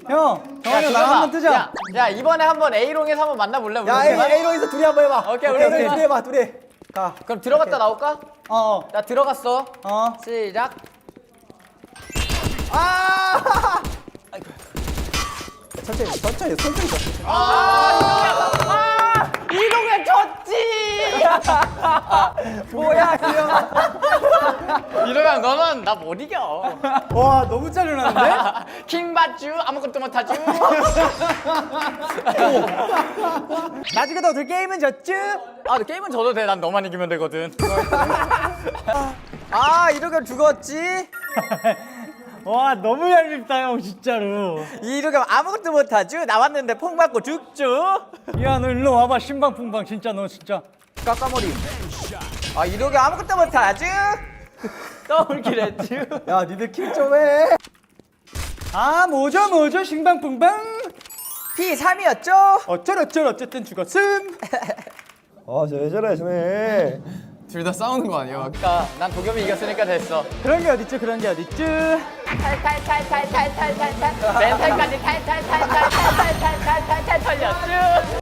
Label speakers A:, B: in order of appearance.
A: 형, 정한이 나랑 한번 뜨자.
B: 야 이번에 한번 A롱에서 한번 만나볼래? 우리
C: 야
B: 셋만?
C: A롱에서 둘이 한번 해봐.
B: 오케이, 우리
C: 둘이
B: 셋만.
C: 해봐 둘이. 가.
B: 그럼 들어갔다 나올까?
A: 어,
B: 나 들어갔어.
A: 어.
B: 시작.
C: 아! 천천히.
B: 이동현 졌지.
C: 뭐야 귀여워.
B: 이러면 너는 나 못 이겨.
A: 와, 너무 짜증나는데?
B: 킹받쥬 아무것도 못하쥬.
A: 나중에 너들 게임은 졌쥬?
B: 아, 너 게임은 져도 돼. 난 너만 이기면 되거든.
C: 아 이러면 죽었지.
A: 와, 너무 얄밉다, 형, 진짜로.
C: 이러면 아무것도 못하죠. 나왔는데 퐁 맞고 죽죠.
A: 야, 너 일로 와봐, 신방풍방. 진짜 너 진짜.
C: 까까머리. 아 이러면 아무것도 못하죠.
B: 떠올길 했쥬.
C: 야 니들 킬 좀 해.
A: 아, 뭐죠, 신방풍방.
C: P3이었죠?
A: 어쨌든 죽었음.
C: 아저 예전에 전에.
D: 둘 다 싸우는 거 아니야?
B: 그러니까 난 도겸이 이겼으니까 됐어.
A: 그런 게 어딨죠.
B: 탈탈탈탈탈탈탈탈 멘탈까지 탈탈탈.